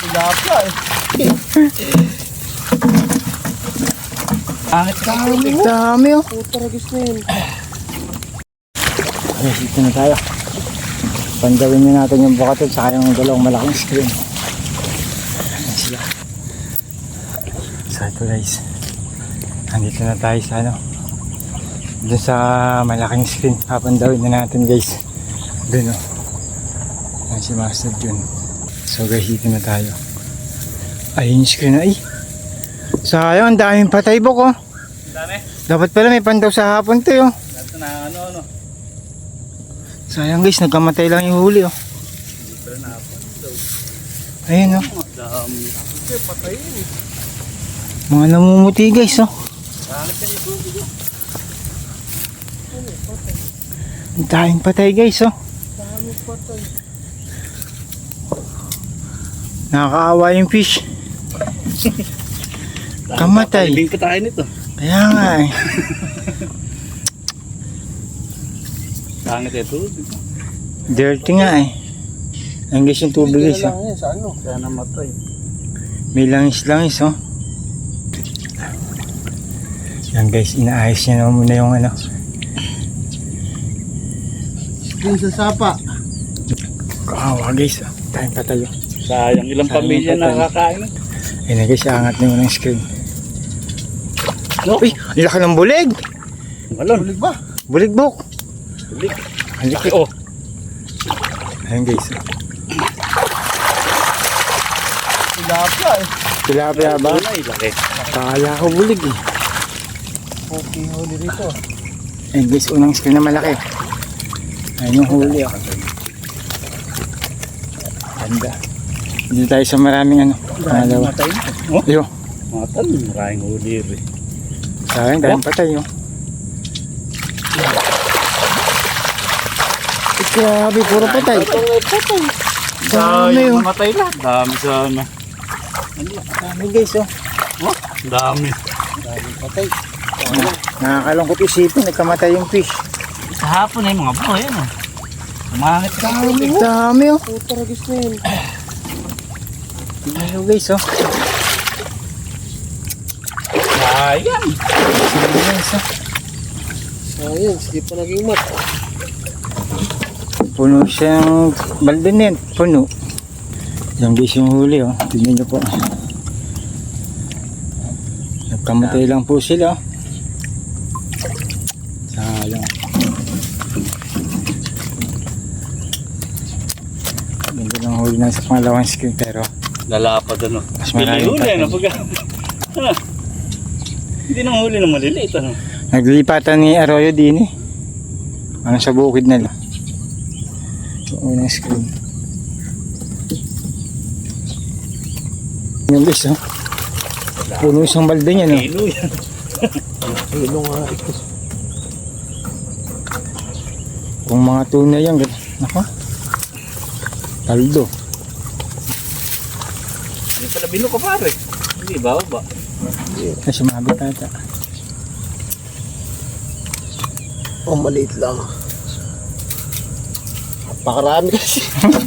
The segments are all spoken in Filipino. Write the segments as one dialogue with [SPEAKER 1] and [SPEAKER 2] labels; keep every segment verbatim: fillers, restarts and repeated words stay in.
[SPEAKER 1] Tilapia eh.
[SPEAKER 2] Angit
[SPEAKER 1] Dami mo.
[SPEAKER 3] Dami oh.
[SPEAKER 1] Puta ragis na yun.
[SPEAKER 3] Okay, dito na tayo. Pandawin nyo natin yung bukatil sa yung dalawang malaking screen. Ayan sila. So ito guys, andito na tayo sa ano, doon sa malaking screen. Papandawin na natin guys. Doon o. Ayan si Master Jun. So guys, dito na tayo. Ayun yung screen na ay. Sayang, ang daming patay bok oh.
[SPEAKER 2] Dami.
[SPEAKER 3] Dapat pala may pandaw sa hapon to oh.
[SPEAKER 2] Ito na ano ano.
[SPEAKER 3] Sayang guys, nagkamatay lang yung huli oh.
[SPEAKER 2] Hindi pala napon daw.
[SPEAKER 3] Ayun oh.
[SPEAKER 2] Dami.
[SPEAKER 1] Kasi patayin eh.
[SPEAKER 3] Mga namumuti guys oh.
[SPEAKER 2] Angit ka dito.
[SPEAKER 3] Ang daming patay guys oh.
[SPEAKER 1] Dami patay.
[SPEAKER 3] Nakakaawa yung fish. Kamatay.
[SPEAKER 2] Libing pa tayo nito.
[SPEAKER 3] Kaya nga eh.
[SPEAKER 2] Angit ito.
[SPEAKER 3] Dirty nga eh. Ang guys yung tubig guys
[SPEAKER 1] Hindi
[SPEAKER 3] oh.
[SPEAKER 1] na lang yan sa ano.
[SPEAKER 2] Kaya namatay.
[SPEAKER 3] May langis-langis oh. Yan guys, inaayos niya naman muna yung ano.
[SPEAKER 1] Yung sa sapa.
[SPEAKER 3] Kaawa guys oh. Tayong patay oh.
[SPEAKER 2] Sayang ilang
[SPEAKER 3] Sayang
[SPEAKER 2] pamilya
[SPEAKER 3] patay.
[SPEAKER 2] nakakain.
[SPEAKER 3] Ayun na guys, angat na yung ng screen.
[SPEAKER 2] No?
[SPEAKER 3] Uy, ang laki ng bulig!
[SPEAKER 2] Malon.
[SPEAKER 1] Bulig ba?
[SPEAKER 3] Bulig bok!
[SPEAKER 2] Bulig.
[SPEAKER 3] Ang laki
[SPEAKER 2] Oh.
[SPEAKER 3] Ayun guys oh.
[SPEAKER 1] Tilapia eh.
[SPEAKER 3] Tilapia ba?
[SPEAKER 2] Ay, laki.
[SPEAKER 3] Kala ko bulig eh.
[SPEAKER 1] Okay, huli rito.
[SPEAKER 3] Ayun guys, unang screen na malaki. Ayun yung huli oh. Ganda. Dito tayo sa maraming ano. Pangalawa.
[SPEAKER 2] Matay na. Oh,
[SPEAKER 3] Ayun.
[SPEAKER 2] matay. Maraming huli rin.
[SPEAKER 3] Sayang, dahil patay oh. Eh, grabe, puro patay. Dami oh.
[SPEAKER 2] Namatay lahat. Dami sana.
[SPEAKER 3] Dami guys oh.
[SPEAKER 2] Oh, dami.
[SPEAKER 1] Dami patay.
[SPEAKER 3] Nakakalungkot isipin, nagkamatay yung fish.
[SPEAKER 2] Sa hapon eh, mga bro, yan oh. Umangit ka.
[SPEAKER 3] Dami, dami oh.
[SPEAKER 1] Puta ragis na yun.
[SPEAKER 3] Ayun guys oh.
[SPEAKER 2] Sayang.
[SPEAKER 3] Sayang guys oh.
[SPEAKER 1] Sayang, hindi pa naging mat.
[SPEAKER 3] Puno siyang balde na yan, puno. Yung guys yung huli oh. Tignan nyo po. Nagkamatay lang po sila oh. Sayang. Ganda ng huli na sa pangalawang screen pero
[SPEAKER 2] Lalapad ano.
[SPEAKER 3] mas maraming
[SPEAKER 2] Huli
[SPEAKER 3] patay.
[SPEAKER 2] ano pag ano. Hindi nang huli na maliliit ano.
[SPEAKER 3] Naglilipatan ni Arroyo din eh. Ano sa bukid na lang. Yung unang screen. Yung guys oh. Puno isang balde niya no.
[SPEAKER 2] Kilo yan.
[SPEAKER 1] Kilo nga ito.
[SPEAKER 3] Kung mga tuna yan, naka. Taldo.
[SPEAKER 2] Hindi pala bino ko pare. Hindi ba ba?
[SPEAKER 3] Ay, sumabit ata.
[SPEAKER 1] Oh, maliit lang. Napakarami kasi.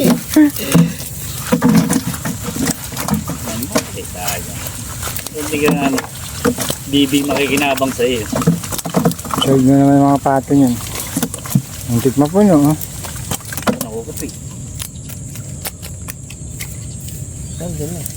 [SPEAKER 2] Ano? Eh, sayang. Hindi ka na ano. Bibig makikinabang sa iyo.
[SPEAKER 3] Showed mo naman yung mga pato niyan. Ang tikma po no. Oh.
[SPEAKER 2] Nakukupi.
[SPEAKER 1] Nandiyan na.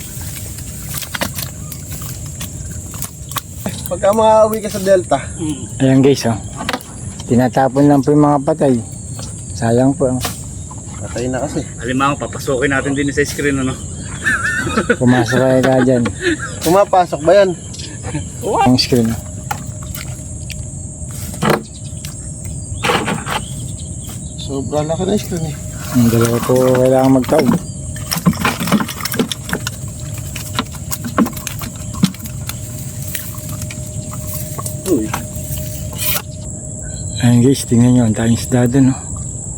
[SPEAKER 1] Pagka makauwi ka sa Delta,
[SPEAKER 2] Mm.
[SPEAKER 3] Ayan guys oh. Tinatapon lang po yung mga patay. Sayang po. Oh.
[SPEAKER 1] patay na kasi.
[SPEAKER 2] Alimang, papasukin natin din sa screen ano.
[SPEAKER 3] Pumasok kayo ka dyan.
[SPEAKER 1] Pumapasok ba yan?
[SPEAKER 3] Ang screen.
[SPEAKER 1] Sobrang laki na screen eh.
[SPEAKER 3] Ang dalawa po kailangan magtaog.
[SPEAKER 2] Uy.
[SPEAKER 3] Ayan guys, tingnan nyo. Ang tayong isda dun oh.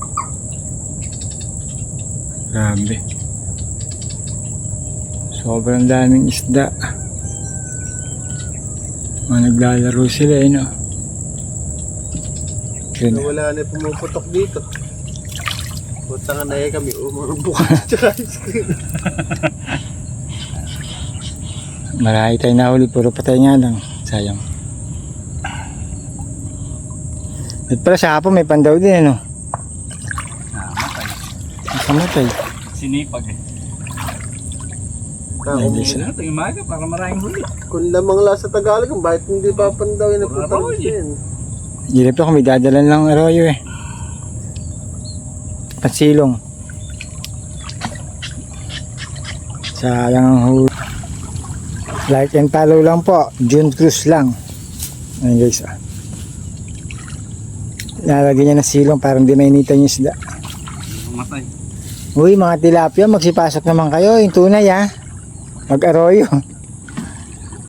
[SPEAKER 3] Grabe. Sobrang daming isda. Mga naglalaro sila eh no. Yun.
[SPEAKER 1] Wala na pumuputok dito. Puta nga na eh kami umang bukas tsaka screen.
[SPEAKER 3] Marami tayo nahuli, puro patay nga lang. Sayang. At pala sa hapon may pandaw din ano.
[SPEAKER 2] Namatay.
[SPEAKER 3] Nakamatay.
[SPEAKER 2] Sinipag eh.
[SPEAKER 1] Ah,
[SPEAKER 3] Hindi
[SPEAKER 1] kung,
[SPEAKER 3] siya.
[SPEAKER 2] Ito yung maga para maraming huli.
[SPEAKER 1] kung lamang la sa Tagalog, kung bakit hindi papandawin na
[SPEAKER 2] Wala
[SPEAKER 1] putang
[SPEAKER 2] raw,
[SPEAKER 1] din.
[SPEAKER 3] Hirap ako, may dadalan lang arroyo eh. Pansilong. Sayang ang huli. Like and follow lang po. June Cruz lang. Ayan guys ah. Lalagyan niya ng silong para hindi mainitan yung isda.
[SPEAKER 2] Namatay.
[SPEAKER 3] Uy mga tilapia, magsipasok naman kayo. Yung tunay ah. Mag-arroyo.